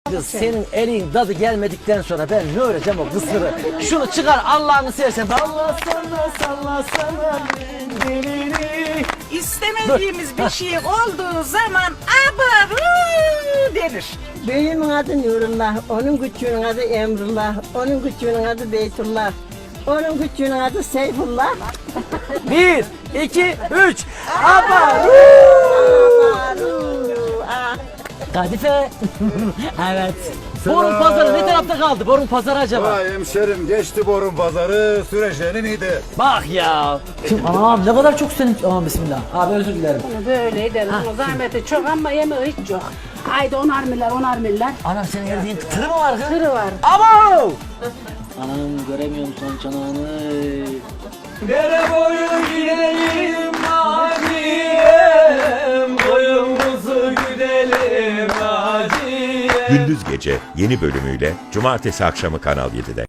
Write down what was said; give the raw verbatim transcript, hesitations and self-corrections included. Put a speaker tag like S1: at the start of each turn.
S1: Kız senin elin tadı gelmedikten sonra ben ne öğreneceğim o kısırı? Şunu çıkar Allah'ını seversen. Allah sana salla sana dilini.
S2: İstemediğimiz bir şey olduğu zaman abarı denir.
S3: Büyüğümün adı Nurullah, onun küçüğünün adı Emrullah, onun küçüğünün adı Beytullah, onun küçüğünün adı Seyfullah.
S1: Bir, iki, üç. Abaru. Kadife. Evet. Borun pazarı ne tarafta kaldı? Borun pazarı acaba?
S4: Vay hemşerim geçti borun pazarı süreceğinin iyiydi.
S1: Bak ya. Şimdi anam ne kadar çok senin... Aman bismillah. Abi özür dilerim.
S5: Böyle edelim. O zahmeti çok ama yemeği hiç yok. Haydi onar milyar, onar milyar.
S1: Anam senin yediğin tırı mı var kız?
S5: Tırı var.
S1: Abo! Anam göremiyorum son çanağını. Dere boyu gidelim Naciye'm, boyumuzu güdelim Naciye'm.
S6: Gündüz Gece yeni bölümüyle Cumartesi akşamı Kanal yedide.